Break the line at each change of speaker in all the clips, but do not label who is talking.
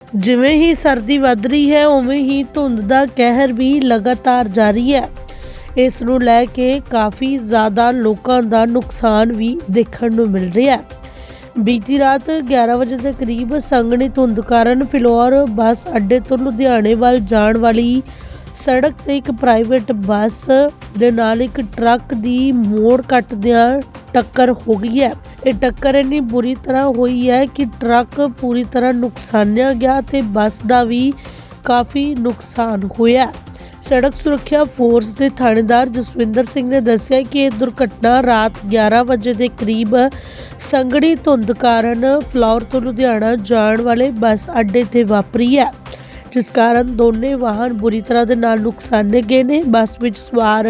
ਜਿਵੇਂ ਹੀ ਸਰਦੀ ਵੱਧ ਰਹੀ ਹੈ ਉਵੇਂ ਹੀ ਧੁੰਦ ਦਾ ਕਹਿਰ ਵੀ ਲਗਾਤਾਰ ਜਾਰੀ ਹੈ। ਇਸ ਨੂੰ ਲੈ ਕੇ ਕਾਫੀ ਜ਼ਿਆਦਾ ਲੋਕਾਂ ਦਾ ਨੁਕਸਾਨ ਵੀ ਦੇਖਣ ਨੂੰ ਮਿਲ ਰਿਹਾ ਹੈ। ਬੀਤੀ ਰਾਤ 11 ਵਜੇ ਦੇ ਕਰੀਬ ਸੰਘਣੀ ਧੁੰਦ ਕਾਰਨ ਫਿਲੌਰ ਬੱਸ ਅੱਡੇ ਤੋਂ ਲੁਧਿਆਣੇ ਵੱਲ ਜਾਣ ਵਾਲੀ ਸੜਕ ਤੇ ਇੱਕ ਪ੍ਰਾਈਵੇਟ ਬੱਸ ਦੇ ਨਾਲ ਇੱਕ ਟਰੱਕ ਦੀ ਮੋੜ ਕੱਟਦਿਆਂ ਟੱਕਰ ਹੋ ਗਈ ਹੈ। ਇਹ ਟੱਕਰ ਇੰਨੀ ਬੁਰੀ ਤਰ੍ਹਾਂ ਹੋਈ ਹੈ ਕਿ ਟਰੱਕ ਪੂਰੀ ਤਰ੍ਹਾਂ ਨੁਕਸਾਨਿਆ ਗਿਆ ਤੇ ਬੱਸ ਦਾ ਵੀ ਕਾਫੀ ਨੁਕਸਾਨ ਹੋਇਆ। ਸੜਕ ਸੁਰੱਖਿਆ ਫੋਰਸ ਦੇ ਥਾਣੇਦਾਰ ਜਸਵਿੰਦਰ ਸਿੰਘ ਨੇ ਦੱਸਿਆ ਕਿ ਇਹ ਦੁਰਘਟਨਾ ਰਾਤ 11 ਵਜੇ ਦੇ ਕਰੀਬ ਸੰਘਣੀ ਧੁੰਦ ਕਾਰਨ ਫਿਲੌਰ ਤੋਂ ਲੁਧਿਆਣਾ ਜਾਣ ਵਾਲੇ ਬੱਸ ਅੱਡੇ ਤੇ ਵਾਪਰੀ ਹੈ, ਜਿਸ ਕਾਰਨ ਦੋਨੇ ਵਾਹਨ ਬੁਰੀ ਤਰ੍ਹਾਂ ਦੇ ਨਾਲ ਨੁਕਸਾਨੇ ਗਏ ਨੇ। ਬੱਸ ਵਿੱਚ ਸਵਾਰ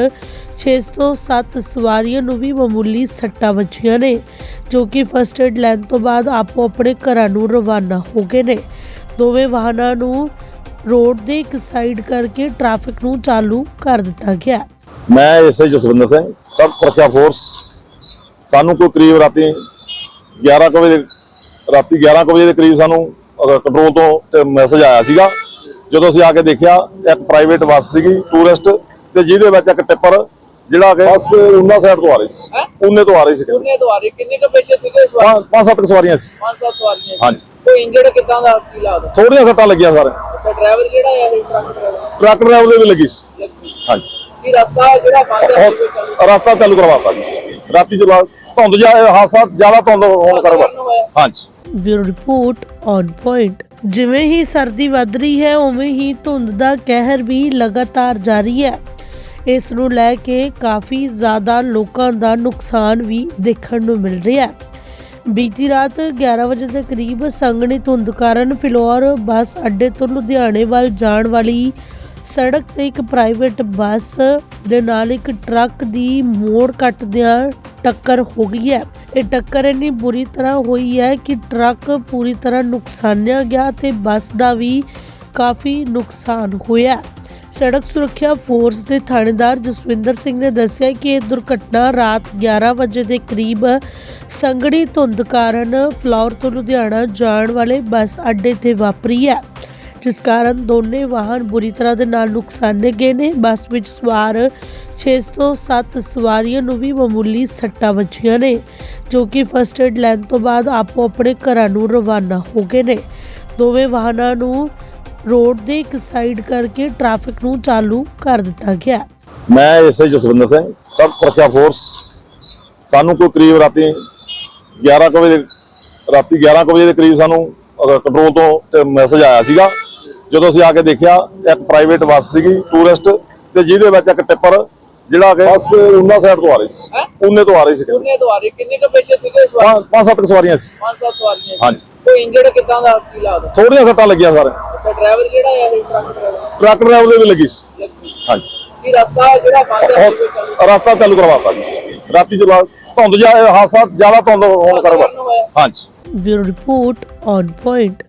607 ਸਵਾਰੀਆਂ ਨੂੰ ਵੀ ਮਾਮੂਲੀ ਸੱਟਾਂ ਵੱਜੀਆਂ ਨੇ, ਜੋ ਕਿ ਫਸਟ ਏਡ ਲੈਣ ਤੋਂ ਬਾਅਦ ਆਪੋ ਆਪਣੇ ਘਰਾਂ ਨੂੰ ਰਵਾਨਾ ਹੋ ਗਏ ਨੇ। ਦੋਵੇਂ ਵਾਹਨਾਂ ਨੂੰ ਰੋਡ ਦੇ ਇੱਕ ਸਾਈਡ ਕਰਕੇ ਟ੍ਰੈਫਿਕ ਨੂੰ ਚਾਲੂ ਕਰ ਦਿੱਤਾ ਗਿਆ।
मैं एसआई जसविंदर सिंह सब सुरक्षा फोर्स सानू कोई करीब राती 11 बजे के करीब सानू कंट्रोल तो मैसेज आया सीगा। ਜਦੋਂ ਅਸੀਂ ਆ ਕੇ ਦੇਖਿਆ ਇੱਕ ਪ੍ਰਾਈਵੇਟ ਬੱਸ ਸੀਗੀ ਟੂਰਿਸਟ ਤੇ ਜਿਹਦੇ ਵਿੱਚ ਇੱਕ ਟਿੱਪਰ ਜਿਹੜਾ ਕਿ ਬੱਸ ਉਹਨਾਂ ਸਾਈਡ ਤੋਂ ਆ ਰਹੀ ਸੀ, ਉਹਨੇ ਤੋਂ ਆ ਰਹੀ ਸੀ।
ਕਿੰਨੇ ਕੁ ਬੱਚੇ ਸੀਗੇ?
5-7 ਸਵਾਰੀਆਂ ਸੀ।
5-7 ਸਵਾਰੀਆਂ।
ਹਾਂਜੀ।
ਕੋਈ ਇੰਜਰਡ ਕਿੱਦਾਂ ਦਾ ਕੀ ਲੱਗਦਾ?
ਥੋੜੀਆਂ ਸੱਟਾਂ ਲੱਗੀਆਂ ਸਾਰੇ।
ਅੱਛਾ, ਡਰਾਈਵਰ ਜਿਹੜਾ ਹੈ ਇਹ
ਟਰੱਕ ਡਰਾਈਵਰ ਦੇ ਵੀ ਲੱਗੀ ਸੀ। ਹਾਂਜੀ।
ਕੀ ਰਸਤਾ ਜਿਹੜਾ ਬੰਦ ਹੈ
ਰਸਤਾ ਚਾਲੂ ਕਰਵਾਤਾ ਜੀ ਰਾਤੀ ਤੋਂ ਬਾਅਦ ਧੁੰਦ ਹਾਦਸਾ ਜ਼ਿਆਦਾ ਧੁੰਦ ਹੋਣ ਕਰਕੇ। ਹਾਂਜੀ।
Bureau report on point. ਜਿਵੇਂ ਹੀ ਸਰਦੀ ਵੱਧ ਰਹੀ ਹੈ ਉਵੇਂ ਹੀ ਧੁੰਦ ਦਾ ਕਹਿਰ ਵੀ ਲਗਾਤਾਰ ਜਾਰੀ ਹੈ। ਇਸ ਨੂੰ ਲੈ ਕੇ ਕਾਫੀ ਜ਼ਿਆਦਾ ਲੋਕਾਂ ਦਾ ਨੁਕਸਾਨ ਵੀ ਦੇਖਣ ਨੂੰ ਮਿਲ ਰਿਹਾ ਹੈ। ਬੀਤੀ ਰਾਤ 11 ਵਜੇ ਦੇ ਕਰੀਬ ਸੰਘਣੀ ਧੁੰਦ ਕਾਰਨ ਫਿਲੌਰ ਬੱਸ ਅੱਡੇ ਤੋਂ ਲੁਧਿਆਣੇ ਵੱਲ ਜਾਣ ਵਾਲੀ ਸੜਕ ਤੇ ਇੱਕ ਪ੍ਰਾਈਵੇਟ ਬੱਸ ਦੇ ਨਾਲ ਇੱਕ ਟਰੱਕ ਦੀ ਮੋੜ ਕੱਟਦਿਆਂ ਟੱਕਰ ਹੋ ਗਈ ਹੈ। ਇਹ ਟੱਕਰ ਇੰਨੀ ਬੁਰੀ ਤਰ੍ਹਾਂ ਹੋਈ ਹੈ ਕਿ ਟਰੱਕ ਪੂਰੀ ਤਰ੍ਹਾਂ ਨੁਕਸਾਨਿਆ ਗਿਆ ਤੇ ਬੱਸ ਦਾ ਵੀ ਕਾਫੀ ਨੁਕਸਾਨ ਹੋਇਆ। ਸੜਕ ਸੁਰੱਖਿਆ ਫੋਰਸ ਦੇ ਥਾਣੇਦਾਰ ਜਸਵਿੰਦਰ ਸਿੰਘ ਨੇ ਦੱਸਿਆ ਕਿ ਇਹ ਦੁਰਘਟਨਾ ਰਾਤ 11 ਵਜੇ ਦੇ ਕਰੀਬ ਸੰਘਣੀ ਧੁੰਦ ਕਾਰਨ ਫਿਲੌਰ ਤੋਂ ਲੁਧਿਆਣਾ ਜਾਣ ਵਾਲੇ ਬੱਸ ਅੱਡੇ ਤੇ ਵਾਪਰੀ ਹੈ, ਜਿਸ ਕਾਰਨ ਦੋਨੇ ਵਾਹਨ ਬੁਰੀ ਤਰ੍ਹਾਂ ਦੇ ਨਾਲ ਨੁਕਸਾਨੇ ਗਏ ਨੇ। ਬੱਸ ਵਿੱਚ ਸਵਾਰ 607 ਸਵਾਰੀਆਂ ਨੂੰ ਵੀ ਮਾਮੂਲੀ ਸੱਟਾਂ ਵੱਜੀਆਂ ਨੇ, ਜੋ ਕਿ ਫਸਟ ਏਡ ਲੈਣ ਤੋਂ ਬਾਅਦ ਆਪੋ ਆਪਣੇ ਘਰਾਂ ਨੂੰ ਰਵਾਨਾ ਹੋ ਗਏ ਨੇ। ਦੋਵੇਂ ਵਾਹਨਾਂ ਨੂੰ ਰੋਡ ਦੇ ਇੱਕ ਸਾਈਡ ਕਰਕੇ ਟ੍ਰੈਫਿਕ ਨੂੰ ਚਾਲੂ ਕਰ ਦਿੱਤਾ ਗਿਆ।
ਮੈਂ ਐਸਆਈ ਜਸਵਿੰਦਰ ਸਿੰਘ सब सुरक्षा फोर्स सानू कोई करीब राती 11 बजे के करीब सानू कंट्रोल तो मैसेज आया सीगा। ਜਦੋਂ ਅਸੀਂ ਆ ਕੇ ਦੇਖਿਆ ਇੱਕ ਪ੍ਰਾਈਵੇਟ ਬੱਸ ਸੀਗੀ ਟੂਰਿਸਟ ਤੇ ਜਿਹਦੇ ਵਿੱਚ ਇੱਕ ਟਿੱਪਰ ਜਿਹੜਾ ਕਿ ਬੱਸ ਉਹਨਾਂ ਸਾਈਡ ਤੋਂ ਆ ਰਹੀ ਸੀ, ਉਹਨੇ ਤੋਂ ਆ ਰਹੀ ਸੀ।
ਕਿੰਨੇ ਕੁ ਬੱਚੇ ਸੀਗੇ?
5-7 ਸਵਾਰੀਆਂ ਸੀ।
5-7 ਸਵਾਰੀਆਂ।
ਹਾਂਜੀ।
ਕੋਈ ਇੰਜਰਡ ਕਿੱਦਾਂ ਦਾ ਕੀ ਲੱਗਦਾ?
ਥੋੜੀਆਂ ਸੱਟਾਂ ਲੱਗੀਆਂ ਸਾਰੇ।
ਅੱਛਾ, ਡਰਾਈਵਰ ਜਿਹੜਾ ਹੈ ਇਹ
ਟਰੱਕ ਡਰਾਈਵਰ ਦੇ ਵੀ ਲੱਗੀ ਸੀ। ਹਾਂਜੀ।
ਕੀ ਰਸਤਾ ਜਿਹੜਾ ਬੰਦ ਹੈ
ਰਸਤਾ ਚਾਲੂ ਕਰਵਾਤਾ ਜੀ ਰਾਤੀ ਤੋਂ ਬਾਅਦ ਧੁੰਦ ਹਾਦਸਾ ਜ਼ਿਆਦਾ ਧੁੰਦ ਹੋਣ ਕਰਕੇ। ਹਾਂਜੀ।
Bureau report on point.